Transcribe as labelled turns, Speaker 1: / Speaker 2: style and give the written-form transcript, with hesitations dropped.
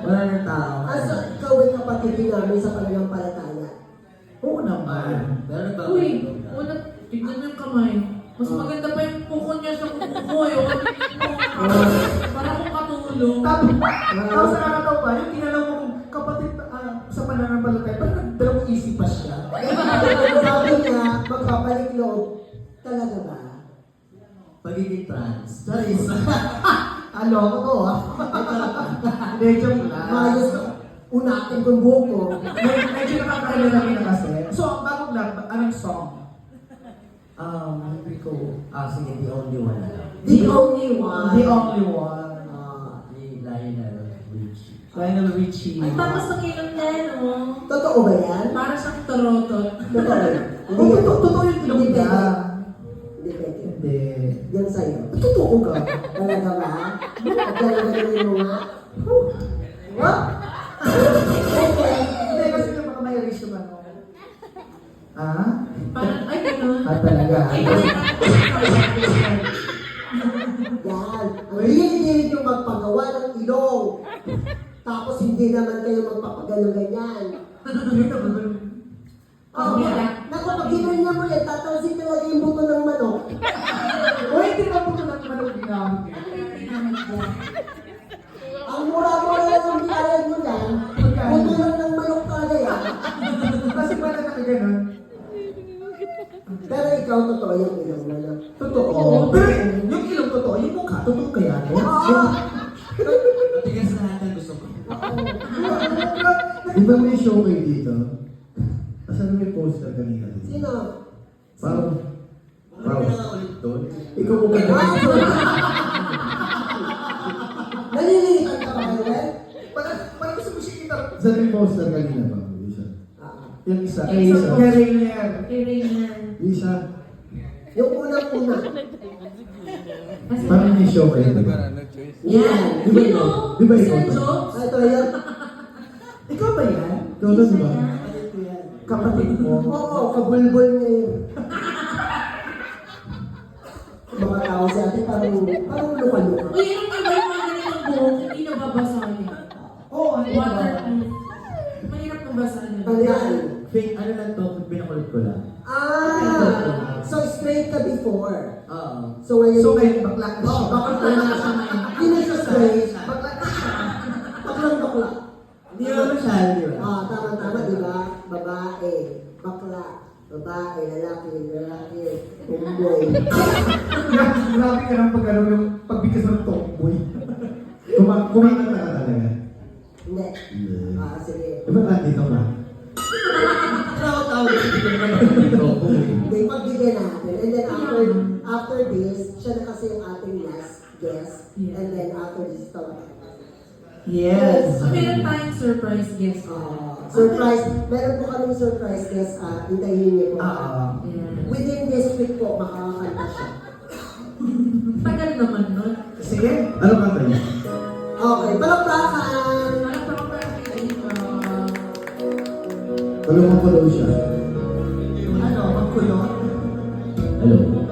Speaker 1: Wala na tao.
Speaker 2: So, ikaw ay kapatid din namin sa pananampalataya.
Speaker 1: Oo naman. Pero nagbabago.
Speaker 3: Uy, una, tignan mo yung kamay. Mas maganda pa yung puko niya sa kuko ko. Para kung katulong.
Speaker 4: Tapos nakakatawa pa, yung tinanong mo kung kapatid sa pananampalataya, parang nagdalawang isip pa siya.
Speaker 2: Sabi niya, magpapalik loob. Talaga ba?
Speaker 1: Pagiging trans. Charis.
Speaker 4: Ano ako to Hindi, joke lang.
Speaker 2: Mayos ka. Unatin kong buhok mo.
Speaker 4: Medyo nakakailala na kasi. So, bago lang, anong song?
Speaker 1: Hindi ko. Sige, the only one.
Speaker 2: The only one.
Speaker 4: The only one.
Speaker 1: Ni Lionel Richie.
Speaker 4: Lionel Richie.
Speaker 3: Ang tapas ng ilong niya, no?
Speaker 2: Totoo ba yan?
Speaker 3: Para siyang tarotot.
Speaker 2: Totoo.
Speaker 4: Oh, totoo yung ilong
Speaker 2: Hindi
Speaker 4: niya.
Speaker 2: pwede. Hindi pwede.
Speaker 4: Hindi.
Speaker 2: Yan sa'yo.
Speaker 4: Totoo ka.
Speaker 2: Talaga ba? At talaga mo nga? What? Okay.
Speaker 4: Hindi, kasi yung baka may erase yung ano.
Speaker 3: Parang, ay, gano'n.
Speaker 4: Talaga.
Speaker 2: Yan. Ang hilig-hilig yung magpagawa ng ilong. Tapos hindi naman kayo magpapagano ganyan. Oh, naku, pag ginanya mo yan, tatalsik talaga yung buto ng manok.
Speaker 4: O, hindi ba po na manok ginamit niya?
Speaker 2: Ang mura-mura lang ang biyayan mo yan, buto lang ng manok talaga yan.
Speaker 4: Kasi pala nakaganon.
Speaker 2: Pero ikaw, totoo yung ilong mo, no?
Speaker 4: Totoo. Pero yung ilong totoo, yung mukha, totoo kaya no?
Speaker 1: Matigas lahat ang gusto ko.
Speaker 5: Di ba may show kayo dito? Asan may poster kanina?
Speaker 2: Sino?
Speaker 5: Parang,
Speaker 1: Hindi na nga ulit doon.
Speaker 5: ikaw mo ba
Speaker 2: Nalilinitan ka ba ngayon?
Speaker 4: Parang gusto mo siya kita.
Speaker 5: Saan may poster kanina ba? Isa. Yung isa. Kay isa.
Speaker 4: Carrier.
Speaker 3: Kailangan.
Speaker 5: Yung isa.
Speaker 2: Yung unang-una.
Speaker 5: Parang may show kayo. Di ba?
Speaker 2: Yan.
Speaker 5: Di ba ikaw? Di ba ikaw?
Speaker 3: Sir Jobs?
Speaker 2: Ito yan.
Speaker 4: Ikaw ba yan?
Speaker 5: Ikaw na, di ba?
Speaker 4: Kapatid mo?
Speaker 2: Oo, kabulbol niya yun. Mga tao si ate parang luka-luka.
Speaker 3: Uy, yung iba yung mga ganitong buhok, hindi nababasahin.
Speaker 4: Oo, ano ba?
Speaker 3: Waterproof. Mahirap nabasahin.
Speaker 2: Ayan.
Speaker 1: Fake, ano lang to, pinakulit ko lang.
Speaker 2: So straight ka before.
Speaker 1: Oo.
Speaker 2: So ngayon,
Speaker 4: So, ngayon, bakla na siya.
Speaker 3: Bakit na siya ngayon?
Speaker 2: hindi na siya straight.
Speaker 4: Bakla na siya.
Speaker 2: Baklang-bakla.
Speaker 1: Hindi naman masyado yun.
Speaker 2: Tama-tama, di ba? Babae, bakla, babae, lalaki, tomboy.
Speaker 4: Grabe ka ng pag-ano yung pagbigkas ng tomboy.
Speaker 5: Kumakanta ka talaga.
Speaker 2: Hindi.
Speaker 5: Hindi.
Speaker 2: Sige.
Speaker 5: Di ba nandito ka?
Speaker 1: Tawag-tawag ko dito naman ako dito.
Speaker 2: Hindi, pagbigyan natin. And then after this, siya na kasi yung ating last guest. And then after this, tawag.
Speaker 4: Yes.
Speaker 3: So, meron tayong surprise guest.
Speaker 2: Surprise. Meron po kaming surprise guest. Hintayin niyo po.
Speaker 3: Yeah.
Speaker 2: Within this week po, makakakanta siya.
Speaker 3: Tagal naman nun.
Speaker 4: Sige.
Speaker 5: Ano kanta niya?
Speaker 2: Okay, palakpakan!
Speaker 3: Alam ko ba
Speaker 5: Tulungan ko daw siya.
Speaker 4: Ano, magkulot?
Speaker 5: Hello?